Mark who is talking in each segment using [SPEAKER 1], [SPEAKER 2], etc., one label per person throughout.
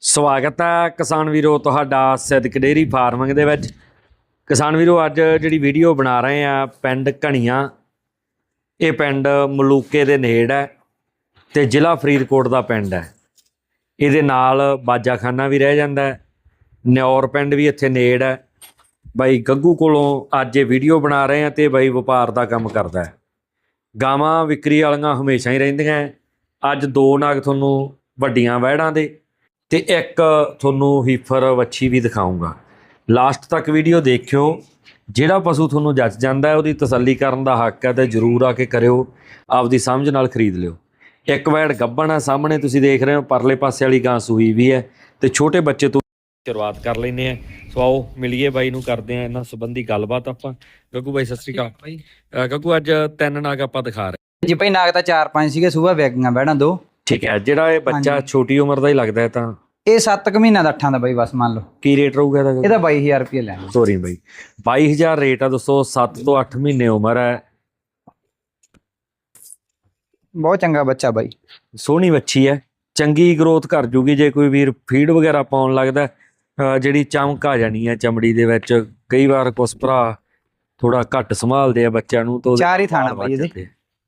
[SPEAKER 1] ਸਵਾਗਤ ਹੈ ਕਿਸਾਨ ਵੀਰੋ ਤੁਹਾਡਾ ਸਿੱਧਕ ਡੇਅਰੀ ਫਾਰਮਿੰਗ ਦੇ ਵਿੱਚ। ਕਿਸਾਨ ਵੀਰੋ ਅੱਜ ਜਿਹੜੀ ਵੀਡੀਓ ਬਣਾ ਰਹੇ ਆ ਪਿੰਡ ਘਣੀਆਂ, ਇਹ ਪਿੰਡ ਮਲੂਕੇ ਦੇ ਨੇੜ ਹੈ ਤੇ ਜ਼ਿਲ੍ਹਾ ਫਰੀਦਕੋਟ ਦਾ ਪਿੰਡ ਹੈ। ਇਹਦੇ ਨਾਲ ਬਾਜਾਖਾਨਾ ਵੀ ਰਹਿ ਜਾਂਦਾ ਹੈ, ਨਿਓਰ ਪਿੰਡ ਵੀ ਇੱਥੇ ਨੇੜ ਹੈ। ਬਾਈ ਗੱਗੂ ਕੋਲੋਂ ਅੱਜ ਇਹ ਵੀਡੀਓ ਬਣਾ ਰਹੇ ਆ ਤੇ ਬਾਈ ਵਪਾਰ ਦਾ ਕੰਮ ਕਰਦਾ ਹੈ। ਗਾਵਾਂ ਵਿਕਰੀ ਵਾਲੀਆਂ ਹਮੇਸ਼ਾ ਹੀ ਰਹਿੰਦੀਆਂ। ਅੱਜ ਦੋ ਨਾਗ ਤੁਹਾਨੂੰ ਵੱਡੀਆਂ ਵਹਿੜਾਂ ਦੇ ਤੇ ਇੱਕ ਤੁਹਾਨੂੰ ਹੀਫਰ ਵੱਛੀ ਵੀ ਦਿਖਾਊਂਗਾ। ਲਾਸਟ ਤੱਕ ਵੀਡੀਓ ਦੇਖਿਓ। ਜਿਹੜਾ ਪਸ਼ੂ ਤੁਹਾਨੂੰ ਜੱਚ ਜਾਂਦਾ ਉਹਦੀ ਤਸੱਲੀ ਕਰਨ ਦਾ ਹੱਕ ਹੈ ਤੇ ਜ਼ਰੂਰ ਆ ਕੇ ਕਰਿਓ, ਆਪਦੀ ਸਮਝ ਨਾਲ ਖਰੀਦ ਲਿਓ। ਇੱਕ ਵੈੜ ਗੱਭਣ ਆ ਸਾਹਮਣੇ ਤੁਸੀਂ ਦੇਖ ਰਹੇ ਹੋ, ਪਰਲੇ ਪਾਸੇ ਵਾਲੀ ਗਾਂ ਸੂਈ ਵੀ ਹੈ ਤੇ ਛੋਟੇ ਬੱਚੇ ਤੋਂ ਸ਼ੁਰੂਆਤ ਕਰ ਲੈਂਦੇ ਆ। ਸੋ ਆਓ ਮਿਲੀਏ ਬਾਈ ਨੂੰ, ਕਰਦੇ ਆ ਇਹਨਾਂ ਸੰਬੰਧੀ ਗੱਲਬਾਤ ਆਪਾਂ। ਗੱਗੂ ਬਾਈ ਸਤਿ ਸ਼੍ਰੀ ਅਕਾਲ। ਗੱਗੂ ਅੱਜ ਤਿੰਨ ਨਾਗ ਆਪਾਂ ਦਿਖਾ ਰਹੇ
[SPEAKER 2] ਜੀ ਭਾਈ। ਨਾਗ ਤਾਂ 4-5 ਸੀਗੇ, ਸੂਬਾ ਵਿਕੀਆਂ ਬਹਿਣਾ 2।
[SPEAKER 1] ਠੀਕ ਹੈ। ਜਿਹੜਾ ਇਹ ਬੱਚਾ ਛੋਟੀ ਉਮਰ ਦਾ ਹੀ ਲੱਗਦਾ ਹੈ ਤਾਂ
[SPEAKER 2] ਇਹ 7 ਮਹੀਨਾ ਦਾ 8 ਦਾ ਬਾਈ, ਬਸ ਮੰਨ ਲਓ।
[SPEAKER 1] ਕੀ ਰੇਟ ਰਹੂਗਾ ਇਹਦਾ?
[SPEAKER 2] ਇਹਦਾ 22,000 ਰੁਪਏ ਲੈਣਾ।
[SPEAKER 1] ਸੋਰੀ ਬਾਈ, 22,000 ਰੇਟ ਆ ਦੋਸਤੋ। 7 ਤੋਂ 8 ਮਹੀਨੇ ਉਮਰ ਹੈ।
[SPEAKER 2] ਬਹੁਤ ਚੰਗਾ ਬੱਚਾ ਬਾਈ,
[SPEAKER 1] ਸੋਹਣੀ ਵੱਛੀ ਹੈ, ਚੰਗੀ ਗਰੋਥ ਕਰ ਜੂਗੀ ਜੇ ਕੋਈ ਵੀਰ ਫੀਡ ਵਗੈਰਾ ਪਾਉਣ ਲੱਗਦਾ। ਜਿਹੜੀ ਚਮਕ ਆ ਜਾਣੀ ਹੈ ਚਮੜੀ ਦੇ ਵਿੱਚ। ਕਈ ਵਾਰ ਕੁਛ ਭਰਾ ਥੋੜਾ ਘੱਟ ਸੰਭਾਲਦੇ ਆ ਬੱਚਿਆਂ ਨੂੰ ਤਾਂ
[SPEAKER 2] 4 ਹੀ ਥਾਣਾ ਬਾਈ ਇਹਦੇ।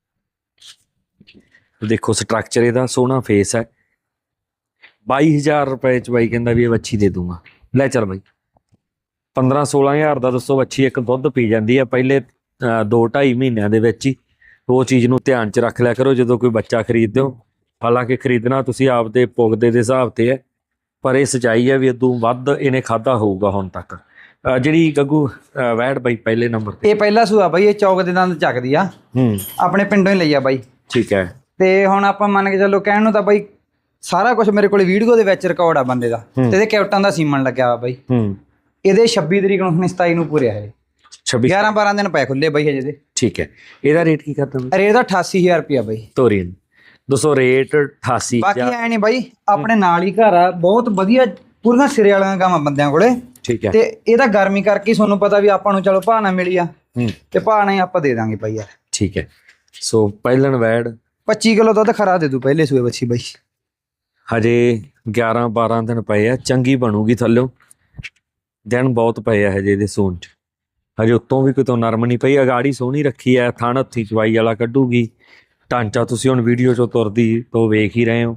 [SPEAKER 1] ਦੇਖੋ ਸਟਰਕਚਰ ਇਹਦਾ, ਸੋਹਣਾ ਫੇਸ ਹੈ। 22,000 ਰੁਪਏ ਚ ਬਾਈ ਕਹਿੰਦਾ ਵੀ ਇਹ ਵੱਛੀ ਦੇ ਦੂੰਗਾ। ਲੈ ਚੱਲ ਬਾਈ, 15-16,000 ਦਾ ਦੱਸੋ ਵੱਛੀ ਇੱਕ ਦੁੱਧ ਪੀ ਜਾਂਦੀ ਹੈ ਪਹਿਲੇ 2-2.5 ਮਹੀਨਿਆਂ ਦੇ ਵਿੱਚ ਹੀ। ਉਹ ਚੀਜ਼ ਨੂੰ ਧਿਆਨ ਚ ਰੱਖ ਲਿਆ ਕਰੋ ਜਦੋਂ ਕੋਈ ਬੱਚਾ ਖਰੀਦਦੇ ਹੋ। ਹਾਲਾਂਕਿ ਖਰੀਦਣਾ ਤੁਸੀਂ ਆਪਦੇ ਪੁਗਦੇ ਦੇ ਹਿਸਾਬ ਤੇ ਹੈ, ਪਰ ਇਹ ਸੱਚਾਈ ਹੈ ਵੀ ਇਦੋਂ ਵੱਧ ਇਹਨੇ ਖਾਧਾ ਹੋਊਗਾ ਹੁਣ ਤੱਕ। ਜਿਹੜੀ ਗੱਗੂ ਵੈੜ ਬਾਈ ਪਹਿਲੇ ਨੰਬਰ ਤੇ,
[SPEAKER 2] ਇਹ ਪਹਿਲਾ ਸੂਆ ਬਾਈ। ਇਹ ਚੌਕ ਦੇ ਦੰਦ ਚੱਕਦੀ ਆ, ਆਪਣੇ ਪਿੰਡੋਂ ਹੀ ਲਈ ਆ ਬਾਈ।
[SPEAKER 1] ਠੀਕ ਹੈ।
[SPEAKER 2] ਤੇ ਹੁਣ ਆਪਾਂ ਮੰਨ ਕੇ ਚੱਲੋ, ਕਹਿਣ ਨੂੰ ਤਾਂ ਬਾਈ ਸਾਰਾ ਕੁਝ ਮੇਰੇ ਕੋਲ ਵੀਡੀਓ ਦੇ ਵਿੱਚ ਰਿਕਾਰਡ ਆ ਬੰਦੇ ਦਾ, ਤੇ ਇਹਦੇ ਕੈਪਟਨ ਦਾ ਸੀਮਨ ਲੱਗਿਆ ਵਾ ਬਾਈ। ਇਹਦੇ 26 ਤਰੀਕ ਨੂੰ 27 ਨੂੰ ਪੂਰਿਆ ਹੈ। 11-12 ਦਿਨ ਪਏ ਖੁੱਲੇ ਬਾਈ ਹਜੇ ਦੇ।
[SPEAKER 1] ਠੀਕ ਹੈ। ਇਹਦਾ ਰੇਟ ਕੀ ਕਰਦਾ?
[SPEAKER 2] ਰੇਟ ਦਾ 88,000 ਰੁਪਇਆ ਬਾਈ।
[SPEAKER 1] ਤੋਰੀਨ ਦੱਸੋ ਰੇਟ 88।
[SPEAKER 2] ਬਾਕੀ ਐ ਨਹੀਂ ਬਾਈ, ਆਪਣੇ ਨਾਲ ਹੀ ਘਰ ਆ, ਬਹੁਤ ਵਧੀਆ ਪੂਰੀਆਂ ਸਿਰੇ ਵਾਲੀਆਂ ਗਾਵਾਂ ਬੰਦਿਆਂ ਕੋਲੇ।
[SPEAKER 1] ਠੀਕ ਹੈ।
[SPEAKER 2] ਤੇ ਇਹਦਾ ਗਰਮੀ ਕਰਕੇ ਤੁਹਾਨੂੰ ਪਤਾ ਵੀ ਆਪਾਂ ਨੂੰ ਚਲੋ ਭਾਅ ਨਾ ਮਿਲੀ ਆ, ਤੇ ਭਾਅ ਨਾਲ ਆਪਾਂ ਦੇ ਦਾਂਗੇ ਬਾਈ ਯਾਰ।
[SPEAKER 1] ਠੀਕ ਹੈ। ਸੋ ਪਹਿਲਣ ਵੈੜ
[SPEAKER 2] 25 ਕਿਲੋ ਦੁੱਧ ਖਰਾ ਦੇ ਦੂ ਪਹਿਲੇ ਸੂਏ ਬੱਚੀ ਬਾਈ।
[SPEAKER 1] ਹਜੇ 11-12 ਦਿਨ ਪਏ ਆ, ਚੰਗੀ ਬਣੂਗੀ। ਥੱਲਿਓ ਦਿਨ ਬਹੁਤ ਪਏ ਆ ਹਜੇ ਇਹਦੇ ਸੂਣ ਚ। ਹਜੇ ਉੱਤੋਂ ਵੀ ਕਿਤੋਂ ਨਰਮ ਨਹੀਂ ਪਈ। ਅਗਾੜੀ ਸੋਹਣੀ ਰੱਖੀ ਹੈ, ਥਣ ਹੱਥੀ ਚਵਾਈ ਵਾਲਾ ਕੱਢੂਗੀ। ਢਾਂਚਾ ਤੁਸੀਂ ਹੁਣ ਵੀਡੀਓ ਚੋਂ ਤੁਰਦੀ ਤੋਂ ਵੇਖ ਹੀ ਰਹੇ ਹੋ।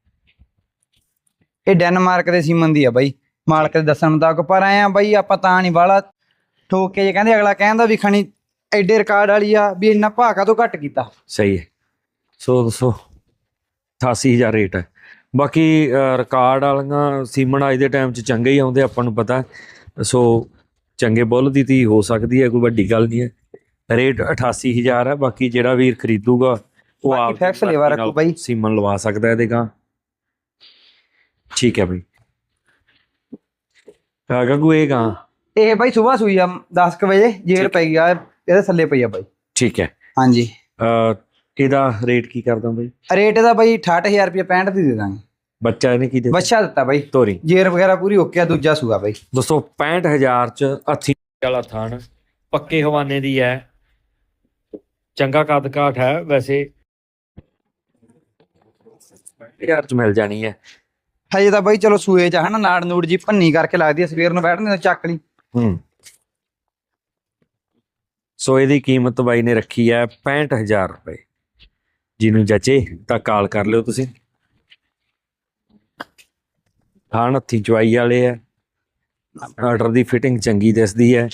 [SPEAKER 2] ਇਹ ਡੈਨਮਾਰਕ ਦੇ ਸੀਮਨ ਦੀ ਆ ਬਾਈ, ਮਾਲਕ ਦੇ ਦੱਸਣ ਮੁਤਾਬਕ। ਪਰ ਆਏ ਆ ਬਾਈ, ਆਪਾਂ ਤਾਂ ਨਹੀਂ ਬਾਹਲਾ ਠੋਕ ਕੇ ਜੇ ਕਹਿੰਦੇ, ਅਗਲਾ ਕਹਿੰਦਾ ਵੀ ਖਣੀ ਐਡੇ ਰਿਕਾਰਡ ਵਾਲੀ ਆ, ਵੀ ਇੰਨਾ ਭਾਅ ਕਾਹਤੋਂ ਘੱਟ ਕੀਤਾ।
[SPEAKER 1] ਸਹੀ ਹੈ। ਸੋ ਦੱਸੋ 88,000 ਰੇਟ ਹੈ। ਬਾਕੀ ਰਿਕਾਰਡ ਵਾਲੀਆਂ ਸੀਮਨ ਅੱਜ ਦੇ ਟਾਈਮ 'ਚ ਚੰਗੇ ਹੀ ਆਉਂਦੇ, ਆਪਾਂ ਨੂੰ ਪਤਾ। ਸੋ ਚੰਗੇ ਬੁੱਲ ਦੀ ਧੀ ਹੋ ਸਕਦੀ ਹੈ, ਕੋਈ ਵੱਡੀ ਗੱਲ ਨਹੀਂ ਹੈ। ਰੇਟ 88,000 ਹੈ। ਬਾਕੀ ਜਿਹੜਾ ਵੀਰ ਖਰੀਦੂਗਾ ਉਹ ਆਪ
[SPEAKER 2] ਫੈਕਸ ਲੇਵਾ ਰੱਖੋ ਬਾਈ,
[SPEAKER 1] ਸੀਮਨ ਲਵਾ ਸਕਦਾ ਇਹਦੇ ਗਾਂ। ਠੀਕ ਹੈ ਬਾਈ। ਗੱਗੂ ਇਹ ਗਾਂ
[SPEAKER 2] ਇਹ ਬਾਈ ਸੁਬਾਹ ਸੂਈ ਆ 10 ਵਜੇ, ਜੇਰ ਪੈ ਗਿਆ ਇਹਦੇ ਥੱਲੇ ਪਈ ਆ ਬਾਈ।
[SPEAKER 1] ਠੀਕ ਹੈ।
[SPEAKER 2] ਹਾਂਜੀ।
[SPEAKER 1] ਇਹਦਾ ਰੇਟ ਕੀ ਕਰਦਾ ਬਾਈ?
[SPEAKER 2] ਰੇਟ ਇਹਦਾ ਬਾਈ 68,000 ਰੁਪਏ 65 ਦੀ ਦੇ ਦਾਂਗੇ।
[SPEAKER 1] ਬੱਚਾ ਇਹਨੇ ਕੀ ਦਿੱਤਾ?
[SPEAKER 2] ਬੱਚਾ ਦਿੱਤਾ ਬਾਈ,
[SPEAKER 1] ਤੋਰੀ
[SPEAKER 2] ਜੇਰ ਵਗੈਰਾ ਪੂਰੀ ਓਕੇ ਆ। ਦੂਜਾ ਸੂਆ ਬਾਈ
[SPEAKER 1] ਦੋਸਤੋ 65,000 ਚ ਹੱਥੀ ਵਾਲਾ ਥਣ, ਪੱਕੇ ਹਵਾਨੇ ਦੀ ਹੈ, ਚੰਗਾ ਕੱਦ ਕਾਠ ਹੈ। ਵੈਸੇ 65,000 ਚ ਮਿਲ ਜਾਣੀ ਹੈ
[SPEAKER 2] ਹਜੇ ਤਾਂ ਬਾਈ। ਚਲੋ ਸੂਏ ਚ ਹਨਾ ਨਾੜ ਨੂੜ ਜੀ ਭੰਨੀ ਕਰਕੇ ਲੱਗਦੀ ਹੈ, ਸਵੇਰ ਨੂੰ ਬੈਠਣੇ ਤਾਂ ਚੱਕ ਲਈ।
[SPEAKER 1] ਸੋ ਇਹਦੀ ਕੀਮਤ ਬਾਈ ਨੇ ਰੱਖੀ ਹੈ 65,000 ਰੁਪਏ। ਜਿਹਨੂੰ ਜਚੇ ਤਾਂ ਕਾਲ ਕਰ ਲਿਓ ਤੁਸੀਂ। ਥਣ ਹੱਥੀ ਚਵਾਈ ਵਾਲੇ ਹੈ, ਆਰਡਰ ਦੀ ਫਿਟਿੰਗ ਚੰਗੀ ਦਿਸਦੀ ਹੈ।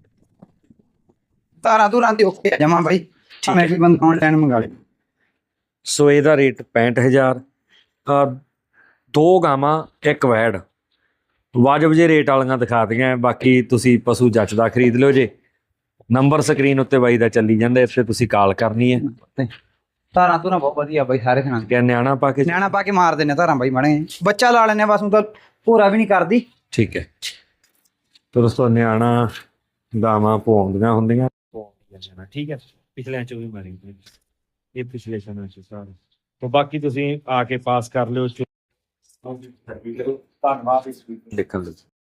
[SPEAKER 2] ਤਾਰਾਂ ਤੂਰਾਂ ਤੇ ਓਕੇ ਆ ਜਮਾ ਬਾਈ। ਮੈਂ ਵੀ ਬੰਦ ਆਨਲਾਈਨ ਮੰਗਾ ਲਈ।
[SPEAKER 1] ਸੋ ਇਹਦਾ ਰੇਟ 65,000। ਦੋ ਗਾਵਾਂ ਇੱਕ ਵੈੜ, ਵਾਜਬ ਜੇ ਰੇਟ ਵਾਲੀਆਂ ਦਿਖਾ ਦਿਆਂ। ਬਾਕੀ ਤੁਸੀਂ ਪਸ਼ੂ ਜੱਚਦਾ ਖਰੀਦ ਲਿਓ ਜੇ। ਨੰਬਰ ਸਕਰੀਨ ਉੱਤੇ ਬਾਈ ਦਾ ਚੱਲੀ ਜਾਂਦਾ, ਇਸ ਤੇ ਤੁਸੀਂ ਕਾਲ ਕਰਨੀ ਹੈ।
[SPEAKER 2] ਧਾਰਾਂ ਧੁਰਾਂ ਬਹੁਤ ਵਧੀਆ ਬਾਈ ਸਾਰੇ ਥਾਂ
[SPEAKER 1] ਕਿ ਨਿਆਣਾ ਪਾ ਕੇ
[SPEAKER 2] ਮਾਰ ਦਿੰਦੇ ਧਾਰਾਂ ਬਾਈ ਮਾੜੇ। ਬੱਚਾ ਲਾ ਲੈਣੇ ਬਸ, ਉਹ ਤਾਂ ਭੋਰਾ ਵੀ ਨਹੀਂ ਕਰਦੀ।
[SPEAKER 1] ਠੀਕ ਹੈ। ਤੇ ਦੋਸਤੋ ਨਿਆਣਾ ਗਾਵਾਂ ਪਵਾਉਂਦੀਆਂ ਹੁੰਦੀਆਂ, ਠੀਕ ਹੈ। ਪਿਛਲਿਆਂ ਚ ਵੀ ਮਾਰੀ ਇਹ ਪਿਛਲੇ ਸਮੇਂ ਚ ਸਾਰੇ। ਤੇ ਬਾਕੀ ਤੁਸੀਂ ਆ ਕੇ ਪਾਸ ਕਰ ਲਿਓ। ਧੰਨਵਾਦ ਦੇਖਣ ਲਈ।